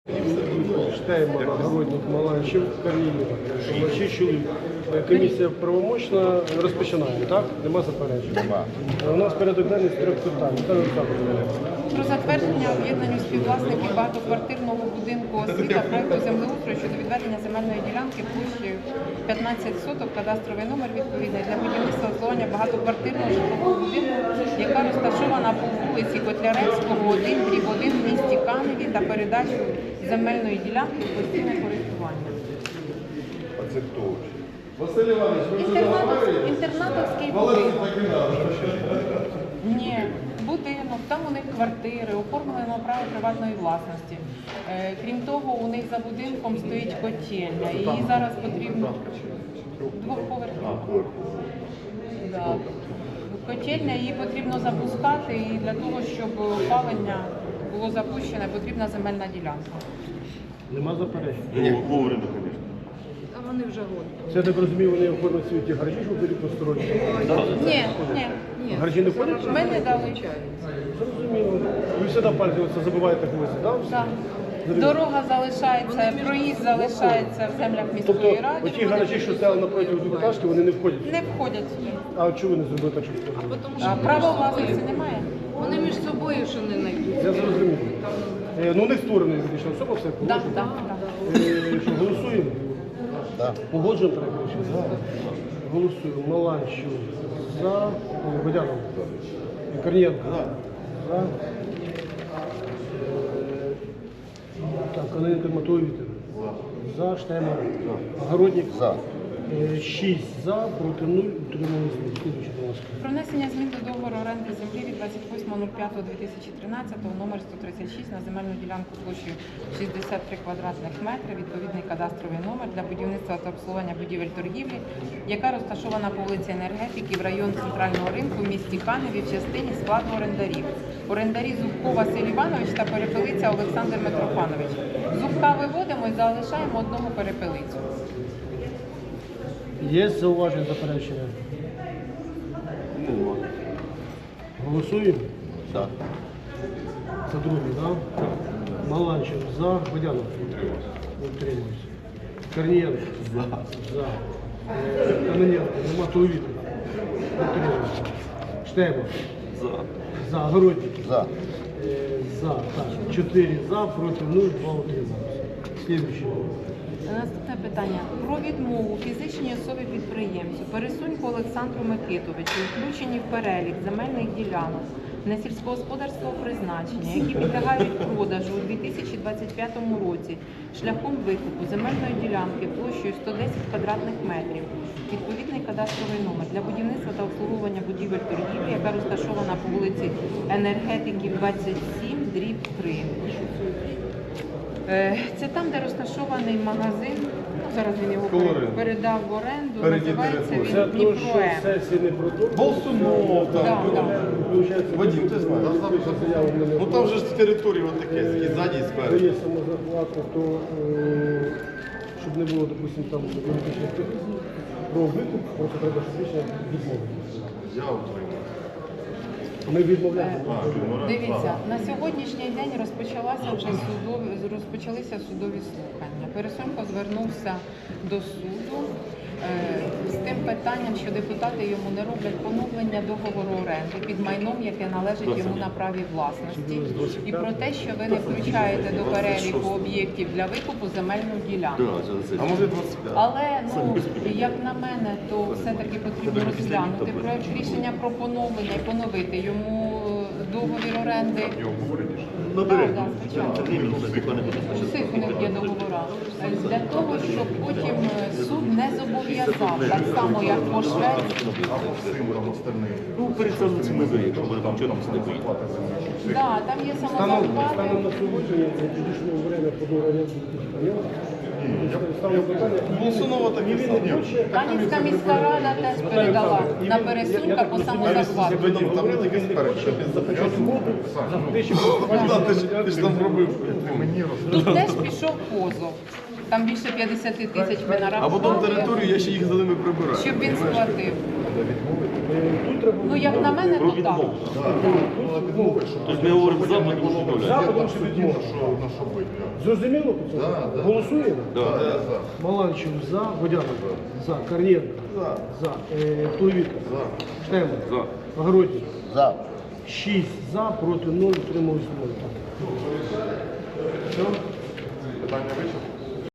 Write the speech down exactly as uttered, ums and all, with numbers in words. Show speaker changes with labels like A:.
A: Штейман, Огородник, Маланчев, Корнієва. Шість чоловік. Комісія правомочна. Розпочинаємо, так? Нема заперечень?
B: Нема.
A: У нас порядок денний з трьох питань.
C: Про затвердження об'єднанню співвласників багатоквартирного будинку освіта проекту землеустрою щодо відведення земельної ділянки площею п'ятнадцять соток, кадастровий номер відповідний для будівництва обслуговування багатоквартирного житлового будинку, яка розташована по вулиці Котляревського, один, дріб один в місті Каневі та передачу земельної ділянки в постійне користування.
B: А це хто?
A: Василь Іванович, ви вже
C: Інтернатовський, інтернатовський будинок. Ні, будинок, там у них квартири, оформлено право приватної власності. Е, крім того, у них за будинком стоїть котельня, і її зараз потрібно двохповерхова. Да. Котельня, її потрібно запускати, і для того, щоб опалення було запущене, потрібна земельна ділянка.
A: Нема заперечень?
B: Ні, вовремя, звісно.
C: А вони вже годні.
A: Це, я так розумію, вони оформлять свої ті гаражі, що будуть посторонні?
C: Ні, ні.
A: Гаражі не входять?
C: Ми не дали.
A: Зрозуміло. Ви всегда пальцем забуваєте когось, так?
C: Так. Дорога залишається, проїзд залишається в землях міської
A: Тобто,
C: ради.
A: оті гаражі, що стояли напроти двохетажки, вони не входять?
C: Не входять сюди.
A: А чого ви не зробили так, щоб входили?
C: А право власності немає.
D: Вони між собою що не знайдуть.
A: Я зрозумів. Е, Ну, не створена юридична особа, все
C: Так,
A: положено.
C: так, так.
A: Е, Що, голосуємо?
B: Да.
A: Погоджуємо проект рішення? Голосуємо. Маланчев за. Водянов. Корнієнко. За. Е, Так, Кононенко Матвій Вікторович. За. Штейман. Огородник.
B: За.
A: Е, Шість за, проти нуль, утримались нуль. Слідуючий, будь ласка.
C: Про внесення змін до договору оренди землі від двадцять восьмого п'ятого дві тисячі тринадцятого номер сто тридцять шість на земельну ділянку площею шістдесят три квадратних метри, відповідний кадастровий номер для будівництва та обслуговування будівель торгівлі, яка розташована по вулиці Енергетики в район Центрального ринку в місті Каневі в частині складу орендарів. Орендарі Зубко Василь Іванович та Перепелиця Олександр Митрофанович. Зубка виводимо і залишаємо одного Перепелицю.
A: Є зауваження, заперечення?
B: Нема.
A: Голосуємо?
B: Да.
A: Це другий, так? Маланчев за. Водянов. Утримуюсь. Корнієнко.
B: За.
A: За. Е, Кононенко. Нема Туловіта. Утримуюсь. Штейман.
B: За.
A: За. Огородник.
B: За.
A: Е, За. Так. Чотири за, проти нуль, два утримуюсь. Слідуючий.
C: Наступне питання. Про відмову фізичній особі-підприємцю Пересуньку Олександру Микитовичу, включені в перелік земельних ділянок на сільськогосподарського призначення, які підлягають продажу у дві тисячі двадцять п'ятому році шляхом викупу земельної ділянки площею сто десять квадратних метрів, відповідний кадастровий номер для будівництва та обслуговування будівель торгівлі, яка розташована по вулиці Енергетиків двадцять сім, дріб три. Це там, де розташований магазин, ну, зараз він його
B: Колорин.
C: передав в оренду,
B: Переді
C: називається
B: території.
A: Це
C: він
A: то, що
C: Дніпроем.
A: сесії не продовжують.
B: Болсунов
C: Да,
B: там.
C: да.
B: Вадим, ти знаєш? Ну там же ж території отаке, і ззаді, і спереду.
A: Є самозахвату, то е, щоб не було, допустимо, там політичних претензій, про викуп, просто треба фізично відмовитися.
B: Я утримав.
A: Ми відмовляємо.
C: Дивіться, на сьогоднішній день розпочалася вже судові, розпочалися судові слухання. Пересунько звернувся до суду е, з тим питанням, що депутати йому не роблять поновлення договору оренди під майном, яке належить йому на праві власності, і про те, що ви не включаєте до переліку об'єктів для викупу земельну ділянку.
B: А може двадцять п'ять?
C: Але, ну, як на мене, то все-таки потрібно розглянути проект рішення про поновлення і поновити йому договір оренди.
B: Набери.
C: Так, так, звичайно. Усіх у них є договора. Для того, щоб потім суд не зобов'язав, так само, як по Швеції.
E: Ну, перед цим ми виїхали, якщо там що там сидить.
C: Да, там є
A: Станом,
C: самозахвати.
A: станом на сьогодні, на дійшло время по договору ставлю питання.
B: Болсунова так і
A: Він не
B: сам.
A: хоче.
C: Канівська міська рада теж передала на Пересунька по самозахвату.
B: Там не тільки спереду, що без
A: Почати угоду, захотичі
B: Да, ти ж- ти ж там робив.
C: Тут теж пішов позов. Там більше п'ятдесят тисяч ми
B: А потім
C: нарахували,
B: територію я ще їх за ними прибираю.
C: щоб він сплатив.
A: Тут треба
C: Ну, як на мене, то так.
E: Тобто ми говоримо за, тому що
A: западом чи відмовити.
B: На що бити?
A: Зрозуміло по цьому?
B: Да, да.
A: Голосуємо?
E: Да.
B: Да, за.
A: Маланчев за, Водянов за, Корнієнко
B: За.
A: за, е, Плевіка,
B: За.
A: Штеман,
E: За.
A: Огородник.
B: За.
A: шість за, проти нуль, утримались нуль. Все?
B: Питання вичерпано?